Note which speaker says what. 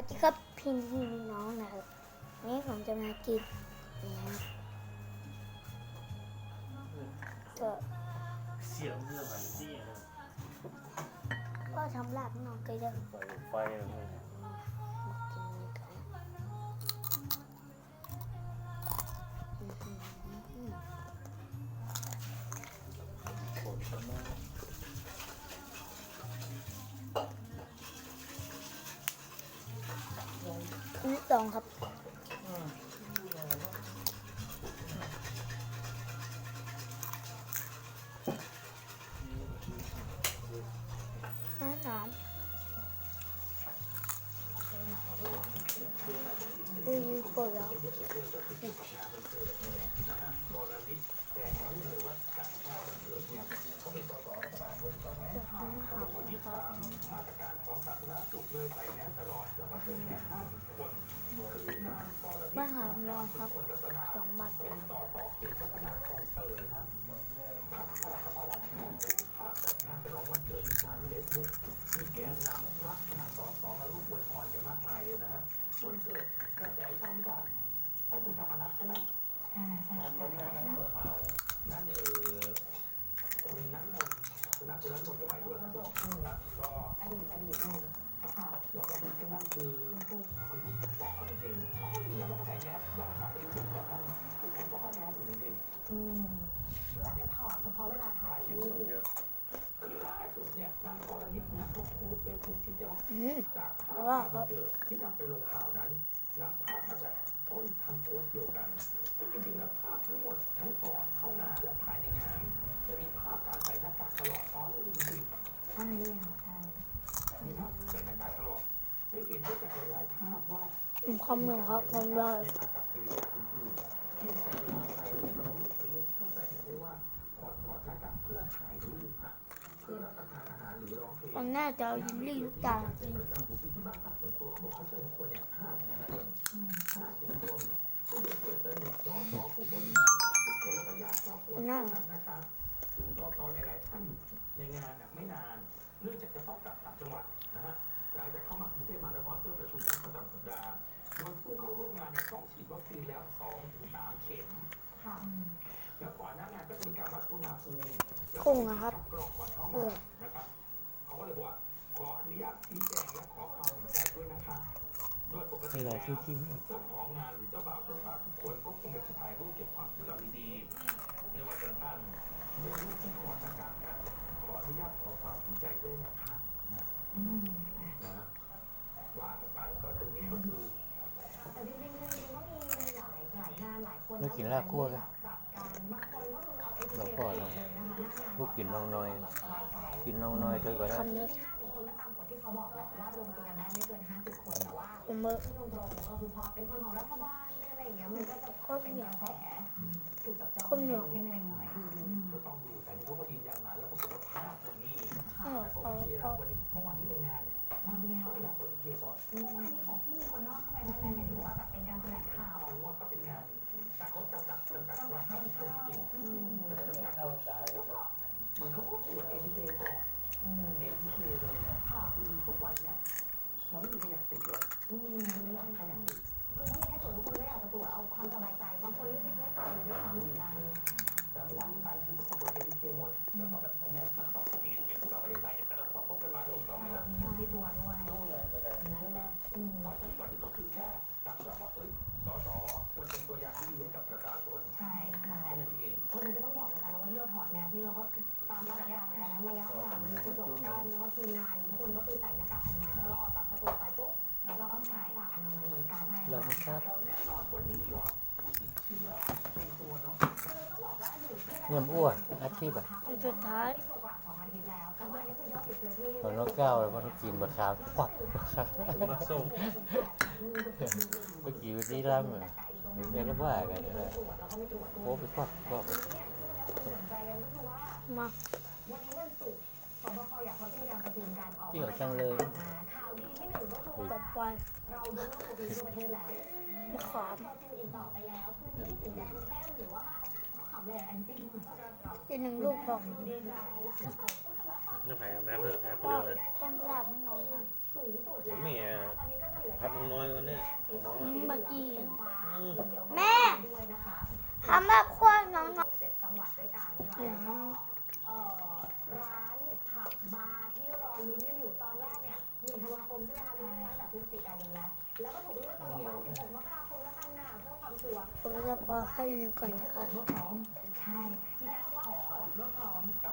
Speaker 1: ดีครับพี่น้องนะครับนี่ผมจะมากินนี่ครับก็
Speaker 2: เสียงเรื่องอะไรที่นะ
Speaker 1: ก็ทำลาบน้องก็จะ
Speaker 2: ไฟอะไรพวกนี้
Speaker 1: มากินนี่กัน
Speaker 2: โคตรชนะ
Speaker 1: นี่สองครับนี่สามปวดแล้วบ้านหามรองครับ2 บาทว่าครับ
Speaker 3: ที่นำไปลงข่าวนั้นนำภาพมาจากต้นทำโพสต์เดียวกันซึ่งจริงๆแล้วภาพทั้งหมดทั้งก่อนเข้างานและภายในงานจะมีภาพการใส่หน้ากากตลอดตอนนี้จริงๆ
Speaker 4: ใช่ค่ะใช่
Speaker 3: มีภาพใส่หน้ากากตลอดจะเห็นได้จากหลายๆภาพว่า
Speaker 1: ความหนึ่งครับความได้
Speaker 3: ในอากับกิริยาอื่นๆที่ใส่ลงไปประยุกต์เข้าใจได้ว่าถอดหน้ากากเพื่อถ่ายรูปฮะเพื่อรับประทานอาหารหรือร้องเพลง
Speaker 1: ผมน่าจะเอายิมลี่ทุกอย่างจริง
Speaker 3: ที่บ้านพักส่วนตัวเขาบอกเขาเชิญคนเนี่ย50 คน50 คนผู้เปิดสนิทสสผู้บริหารทุกคนแล้วก็ญาติครอบครัวนั่งนะครับซึ่งสสหลายๆท่านอยู่ในงานไม่นานเนื่องจากจะต้องกลับต่างจังหวัดนะฮะหลังจากเข้ามากรุงเทพมหานครเพื่อประชุมคณะประจำสัปดาห์โดยผู้เข้าร่วมงานเนี่ยต้องฉีดวัคซีนแล้ว2-3 เข็ม
Speaker 4: ค่ะ
Speaker 3: แล้วก่อนหน้างานก็จะมีการวัดอุณหภูมิ
Speaker 1: พุ่งนะครับ
Speaker 3: กรองก่อนเข้างานนะครับเขาก็เลยบอกว่าขออนุญาตชี้แจงและขอความเห็นใจด้วยนะคะโดยปกติแล้วเจ้าของงานหรือเจ้าบ่าวเจ้าสาวทุกคนก็คงจะถ่ายรูปเก็บความทรงจำดีๆในวันสำคัญโดยรูปที่ขอประกาศกันขออนุญาตขอความเห็นใจด้วยนะคะนะว่ากันไปก็ตรงนี้ก็คือ
Speaker 4: แต่จริงๆก็มีหลายงานหลายคน
Speaker 5: ไม่กินลาบคั่วกัน
Speaker 4: จับกันบางคนก็คือเอา
Speaker 5: เราก็เนาะพวกกินน้องน้อยกินน้องน้อยเท่าก็ได้
Speaker 1: คำนี้
Speaker 4: 50 คนก็ตามกฎที่เขาบอกแหละว่ารวมตัวกันได้ไม่เกิน50 คนแต่ว่า
Speaker 1: ผมเมื่อ
Speaker 4: ตรงๆก็คือพอเป็นคนของรัฐบาลเป็นอะไรอย่างเงี้ยมันก็จะเป็นกระแสถูกจับจ้อง
Speaker 1: คนเหนือ
Speaker 4: เพ่งเล็งหน่อย
Speaker 3: ก็ต้องดูแต่นี่เขาก็ยืนยันมาแล้วปรากฏว่าภาพตรงนี้
Speaker 1: เออ
Speaker 3: โอเคแล้ววันนี้เมื่อวานที่ไปงานเนี่ยภาพนี้เขาอยากเปิดเคก่อน
Speaker 4: เมื่อวานนี้ของพี่มีคนนอกเข้าไปได้ไหมหมายถึงว่าแบบเป็นการแถลงข่าว
Speaker 3: เอาว่าก็เป็นงานแต่เขาจำกัดว่า50 คนจริงแต่จำกัดมันเขาก็ตรวจ ATK ก่อน ATK เลยนะคือทุกวันเนี้ยมันไม่มีใครอยากติดหรอกไม่มีใครอยากติด
Speaker 4: คือถ้ามีแค่ตรวจทุกคนก็อยากจะตรวจเอาความสบายใจบางคนรีบๆไม่ไปเลยด้วยซ้ำเหมือนกัน
Speaker 3: แต่เมื่อวานที่ไปคือตรวจ ATK หมดแล้วก็แบบแม้มันต้องอย่างนี้พวกเราไม่ได้ใส่แต่เราต้องพกกันไว้ถูกต้องไหมล่ะ
Speaker 4: มีที่ตัวด้วย
Speaker 3: ใช่ไหมเพราะฉะนั้นวันนี้ก็คือแค่จับจ้องว่าสสควรเป็นตัวอย่างที่ดีให้กับประชาชน
Speaker 4: ใช่ใช่
Speaker 3: แค่นั้นเอง
Speaker 4: คนนึงก็ต้องบอกเหมือนกันนะว่าที่เราถอดแมสที่เราก็ตามมาตรการนะระยะห่างมีกระจกกั้นแล้วก็ทีมงานทุกคนก็คือใส่หน้ากากอนามัยพอเราออกจากประตูไปปุ๊บเราต้องใส่หน้ากากอนามัยเหมือนกัน
Speaker 5: เราไม่ทราบ
Speaker 3: แล้วแน่นอนวันนี้ยอดผู้ติดเชื้อในตัวเนาะ
Speaker 4: ต้องบอกว่าอยู่ที่
Speaker 5: เงินอ้วนอาชีพอ่ะ
Speaker 1: คนสุดท้าย
Speaker 4: ที่กว่า2 อาทิตย์แล้วแต่ว่าอันนี้คือยอดติดเชื้อที่
Speaker 5: พอน้องก้าวแล้วก็ต้องกินบะขามควักบะขาม
Speaker 2: มาส่ง
Speaker 5: เมื่อกี้วันนี้ล่ำอ่ะเดี๋ยวเราว่ากันนี่แหละโอ้ไปควักควัก
Speaker 1: มา
Speaker 4: วันนี้วันศุกร์สบคอยากเขาจะมีการประชุมการออก
Speaker 5: เกี่ยวจังเลย
Speaker 4: ข่าวดีที่1ก็คือ
Speaker 1: ต่อ
Speaker 4: ว่า
Speaker 1: ไป
Speaker 4: เรายกเลิกโควิดทั่วประเทศแล้ว
Speaker 1: มะขาม
Speaker 4: เราจะอีกต่อไปแล้วพื้นที่สีแดงเข้มหรือว่าขับเลยแอนตี้
Speaker 1: อีก1 ลูกพอ
Speaker 2: นี่ไผ่อาบน้ำเพื่อแอบเพื่อเลย
Speaker 1: ต้องลาบให้น้องหน่อย
Speaker 4: ทสูงสุดแล้ว
Speaker 5: แม่
Speaker 4: นะคะตอนนี้ก็จะเหลือ
Speaker 5: พัดน้อยกว่านี้
Speaker 1: บักกี้
Speaker 4: แม่
Speaker 1: ทำแบบขั้วน้อง
Speaker 4: 7 จังหวัดด้วยกันค่ะ
Speaker 1: เดี๋ยว
Speaker 4: แล้วก็ร้านผับบาร์ที่รอลุ้นกันอยู่ตอนแรกเนี่ย1 ธันวาคมใช่ไหมคะลุ้นตั้งแต่พฤศจิกายนแล้วก็ถูกเลื่อนไปบอกว่า16 มกราคมแล้วกันนะเพื่อความชัวร์
Speaker 1: ผมจะปอกให้หนึ่งก่อนนะคะ
Speaker 4: เมื่อพร้อมใช่ที่การว่าเปิดเมื่อพร้อม